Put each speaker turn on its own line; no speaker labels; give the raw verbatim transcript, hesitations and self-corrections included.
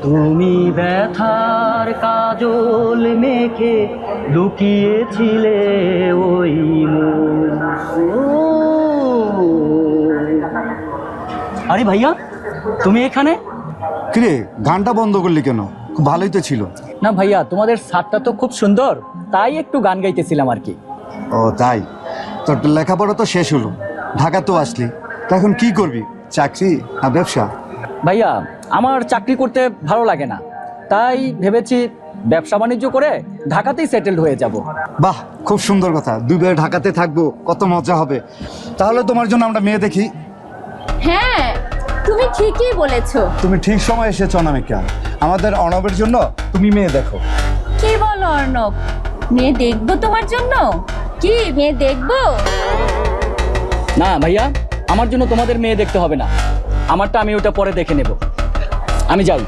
তুমি ব্যথার কাজল মেখে লুকিয়েছিলে ওই মন। আরে ভাইয়া, তুমি এখানে?
কিরে, গানটা বন্ধ করলি কেন? খুব ভালোই তো ছিল।
না ভাইয়া, তোমাদের ছাদটা তো খুব সুন্দর, তাই একটু গান গাইতেছিলাম আর কি।
ও তাই? তোর তো লেখাপড়া তো শেষ হলো, ঢাকা তো আসলি, তা এখন কি করবি? চাকরি না ব্যবসা?
ভাইয়া, আমার চাকরি করতে ভালো লাগে না, তাই ভেবেছি ব্যবসা বাণিজ্য করে ঢাকাতেই সেটেলড হয়ে যাব।
বাহ, খুব সুন্দর কথা। দুই ভাই ঢাকাতে থাকবো, কত মজা হবে। তাহলে তোমার জন্য আমরা মেয়ে দেখি।
হ্যাঁ, তুমি ঠিকই বলেছো।
তুমি ঠিক সময় এসেছো অনামিকা, আমাদের অর্ণবের জন্য তুমি মেয়ে দেখো।
কি বলো অর্ণব? মেয়ে দেখবো তোমার জন্য? কি মেয়ে দেখবো?
না ভাইয়া, আমার জন্য তোমাদের মেয়ে দেখতে হবে না, আমারটা আমি ওটা পরে দেখে নেব। আমি যাই।